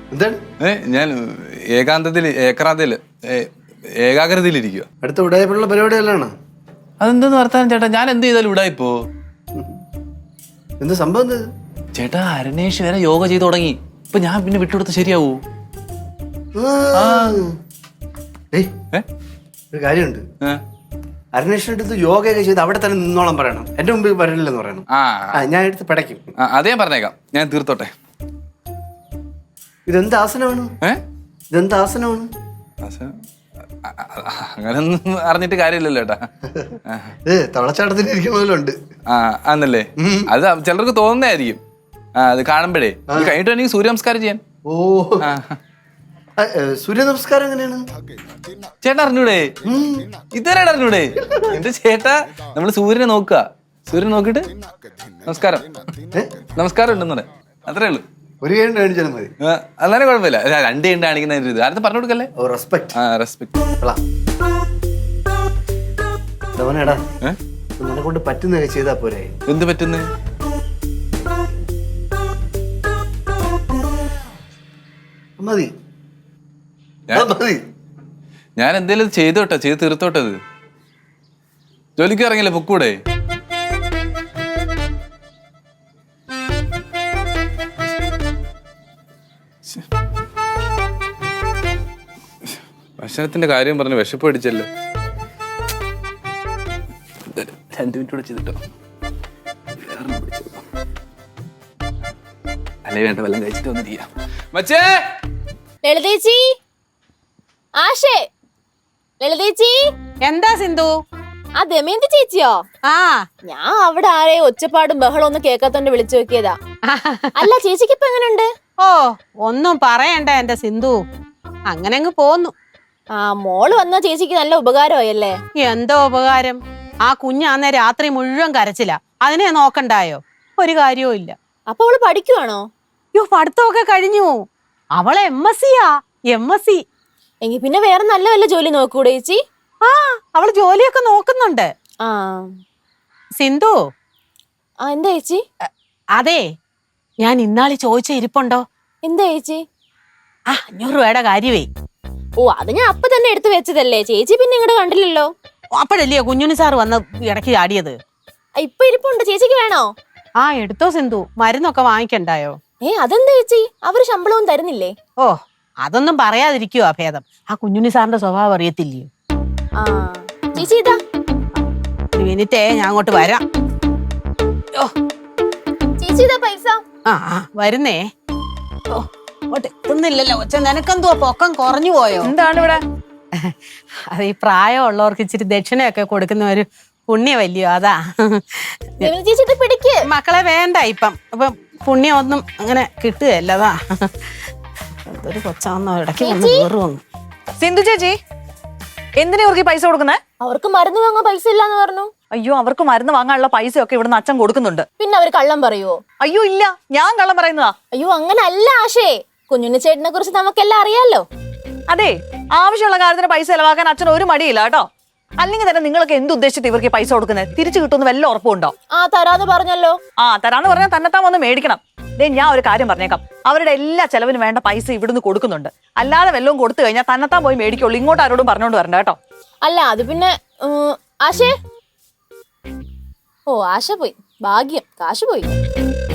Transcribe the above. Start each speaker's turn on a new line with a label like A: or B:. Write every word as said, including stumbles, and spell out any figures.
A: എന്താണ്?
B: ഏ ഞാൻ ഏകാന്തത്തില് ഏക്രാന്തയില് ഏകാഗ്രതയിലിരിക്കുക.
A: അടുത്ത ഉടായ്പുള്ള പരിപാടിയല്ലാണ്.
B: അതെന്തെന്ന് വർത്താനം ചേട്ടാ? ഞാൻ എന്ത് ചെയ്താലും ഉടായിപ്പോ?
A: എന്ത് സംഭവം?
B: ചേട്ടാ അരുണേഷ് വരെ യോഗ ചെയ്ത് തുടങ്ങി. ഇപ്പൊ ഞാൻ പിന്നെ വിട്ടുകൊടുത്ത് ശരിയാവൂ?
A: ഒരു കാര്യമുണ്ട്. അരുണേഷിന്റെ അടുത്ത് യോഗയൊക്കെ ചെയ്ത് അവിടെ തന്നെ നിന്നോളം പറയണം. എന്റെ മുമ്പിൽ വരില്ലെന്ന് പറയണം. ഞാൻ എടുത്ത് പടയ്ക്കും.
B: അത് ഞാൻ പറഞ്ഞേക്കാം. ഞാൻ തീർത്തോട്ടെ.
A: ഇതെന്ത് ആസനമാണ്? ഇതെന്ത് ആസനമാണ്?
B: അങ്ങനൊന്നും അറിഞ്ഞിട്ട് കാര്യമില്ലല്ലോ ചേട്ടാ.
A: ഏ തവളച്ചാട്ടത്തിന് ഇരിക്കണമല്ലോണ്ട്.
B: ആ ആന്നല്ലേ? അത് ചിലർക്ക് തോന്നുന്നതായിരിക്കും. ആ അത് കാണുമ്പോഴേ കഴിഞ്ഞിട്ട് എനിക്ക് സൂര്യ നമസ്കാരം ചെയ്യാൻ.
A: ഓ സൂര്യ നമസ്കാരം എങ്ങനെയാണ്
B: ചേട്ടാ? അറിഞ്ഞൂടെ? ഇതുവരെ അറിഞ്ഞൂടെ? എന്റെ ചേട്ടാ നമ്മള് സൂര്യനെ നോക്കുക. സൂര്യനെ നോക്കിട്ട് നമസ്കാരം നമസ്കാരം ഉണ്ടെന്ന് പറയാം. അത്രേ ഉള്ളൂ.
A: ഒരു കൈ കാണിച്ചാലും മതി.
B: അല്ലാതെ കുഴപ്പമില്ല. രണ്ട് കൈ കാണിക്കുന്ന ഇത് ആരും പറഞ്ഞു കൊടുക്കല്ലേ.
A: റെസ്പെക്ട്.
B: ആ റെസ്പെക്ട്.
A: നിന്നെ കൊണ്ട് പറ്റുന്ന ചെയ്താ പോരെ?
B: എന്ത് പറ്റുന്നേ?
A: മതി മതി.
B: ഞാൻ എന്തേലും ചെയ്തോട്ടെ, ചെയ്ത് തീർത്തോട്ടത്. ജോലിക്ക് ഇറങ്ങില്ലേ? പൊക്കൂടെ? ഭക്ഷണത്തിന്റെ കാര്യം പറഞ്ഞ് വിശപ്പ് അടിച്ചല്ലോ. രണ്ടു മിനിറ്റ് കൂടെ ചെയ്തിട്ടോ. അല്ലേ വേണ്ട, വല്ലതും കഴിച്ചിട്ട് വന്നിരിക്കാം. മച്ചേ,
C: ലളിതേച്ചി, ആശേ, ലളിതേച്ചി.
D: എന്താ സിന്ധു?
C: ആ ദമയന്തി ചേച്ചിയോ?
D: ആ
C: ഞാൻ അവിടെ ആരെയും ഒച്ചപ്പാടും ബഹളം ഒന്നും കേൾക്കാത്തോണ്ട് വിളിച്ചു നോക്കിയതാ. അല്ല ചേച്ചിക്ക് ഇപ്പൊ എങ്ങനെയുണ്ട്?
D: ഓ ഒന്നും പറയണ്ട എന്റെ സിന്ധു, അങ്ങനെ അങ്ങ് പോന്നു.
C: ആ മോള് വന്ന ചേച്ചിക്ക് നല്ല ഉപകാരമായല്ലേ?
D: എന്തോ ഉപകാരം? ആ കുഞ്ഞാന്നെ രാത്രി മുഴുവൻ കരച്ചില്ല. അതിനെ നോക്കണ്ടായോ? ഒരു കാര്യവും ഇല്ല.
C: അപ്പൊ അവള് പഠിക്കുവാണോ?
D: യോ പഠിത്തമൊക്കെ കഴിഞ്ഞു. അവളെ എം എസ് സിയാ. M S C.
C: എങ്കി പിന്നെ വേറെ നല്ല വല്ല ജോലി നോക്കൂടെ ചേച്ചി?
D: ആ അവള് ജോലിയൊക്കെ നോക്കുന്നുണ്ട്.
C: ആ
D: സിന്ധു.
C: ആ എന്താ ചേച്ചി?
D: അതെ, ഞാൻ ഇന്നാളി ചോദിച്ച ഇരിപ്പുണ്ടോ?
C: എന്താ ചേച്ചി?
D: ആ അഞ്ഞൂറ് രൂപയുടെ കാര്യമേ.
C: ഓ അത് ഞാൻ അപ്പൊ തന്നെ എടുത്തു വെച്ചതല്ലേ ചേച്ചി, പിന്നെ ഇങ്ങോട്ട് കണ്ടില്ലല്ലോ.
D: അപ്പോഴല്ലേ കുഞ്ഞുണ്ണി സാർ വന്ന് ഇടയ്ക്ക് ചാടിയത്.
C: ഇപ്പൊ ഇരിപ്പുണ്ട്. ചേച്ചിക്ക് വേണോ?
D: ആ എടുത്തോ സിന്ധു, മരുന്നൊക്കെ വാങ്ങിക്കണ്ടായോ?
C: ഏ അതെന്താ ചേച്ചി, അവര് ശമ്പളവും തരുന്നില്ലേ?
D: ഓ അതൊന്നും പറയാതിരിക്കുവാ ഭേദം. ആ കുഞ്ഞുണ്ണി സാറിന്റെ സ്വഭാവം അറിയത്തില്ലയോ?
C: ആ ചേച്ചി ഇതാ.
D: ഒരു മിനിറ്റേ, ഞാൻ അങ്ങോട്ട് വരാം. ഓ
C: ചേച്ചി ഇതാ പൈസ.
D: ആ ആ വരുന്നേ. ഓ ഓട്ടെ എത്തുന്നില്ലല്ലോ. ഒച്ച നിനക്കെന്തുവാ പൊക്കം കുറഞ്ഞു പോയോ?
E: എന്താണ് ഇവിടെ?
D: അത് ഈ പ്രായമുള്ളവർക്ക് ഇച്ചിരി ദക്ഷിണയൊക്കെ കൊടുക്കുന്ന ഒരു പുണ്യമല്ലയോ, അതാ.
C: ചേച്ചി ഇത് പിടിക്ക്.
D: മക്കളെ വേണ്ട ഇപ്പം. അപ്പൊ പുണ്യം ഒന്നും അങ്ങനെ കിട്ടുകയല്ല, അതാ. എന്തൊരു കൊച്ചാന്നോ ഇടയ്ക്ക് വന്ന് കയറുവന്നു.
E: സിന്ധു ചേച്ചി, എന്തിനാ ഇവർക്ക് പൈസ കൊടുക്കുന്നേ?
C: അവർക്ക് മരുന്ന് വാങ്ങാൻ പൈസ ഇല്ലാന്ന് പറഞ്ഞു.
E: അയ്യോ, അവർക്ക് മരുന്ന് വാങ്ങാനുള്ള പൈസ ഒക്കെ ഇവിടുന്ന് അച്ഛൻ കൊടുക്കുന്നുണ്ട്.
C: പിന്നെ അവര് കള്ളം പറയുവോ?
E: അയ്യോ ഇല്ല, ഞാൻ കള്ളം പറയുന്നതാ.
C: അയ്യോ അങ്ങനെ അല്ല ആശേ, കുഞ്ഞുണ്ണി ചേട്ടനെ കുറിച്ച് നമുക്കെല്ലാം അറിയാലോ.
E: അതെ, ആവശ്യമുള്ള കാര്യത്തിന് പൈസ ചെലവാക്കാൻ അച്ഛൻ ഒരു മടിയില്ല കേട്ടോ. അല്ലെങ്കിൽ തന്നെ നിങ്ങളൊക്കെ എന്തുദ്ദേശിച്ചിട്ട് ഇവർക്ക് പൈസ കൊടുക്കുന്നത്? തിരിച്ചു കിട്ടുമെന്ന് വല്ല ഉറപ്പുണ്ടോ?
C: ആ തരാന്ന് പറഞ്ഞല്ലോ.
E: ആ തരാന്ന് പറഞ്ഞാൽ തന്നെത്താൻ വന്ന് മേടിക്കണം. ദേ ഞാൻ ഒരു കാര്യം പറഞ്ഞേക്കാം, അവരുടെ എല്ലാ ചെലവിനും വേണ്ട പൈസ ഇവിടുന്ന് കൊടുക്കുന്നുണ്ട്. അല്ലാതെ വല്ലതും കൊടുത്തു കഴിഞ്ഞാൽ തന്നെത്താൻ പോയി മേടിക്കുള്ളൂ. ഇങ്ങോട്ട് ആരോടും പറഞ്ഞോണ്ട് വരണ്ട കേട്ടോ.
C: അല്ല അത് പിന്നെ ആശേ. ഓ ആശ പോയി, ഭാഗ്യം, കാശ് പോയി.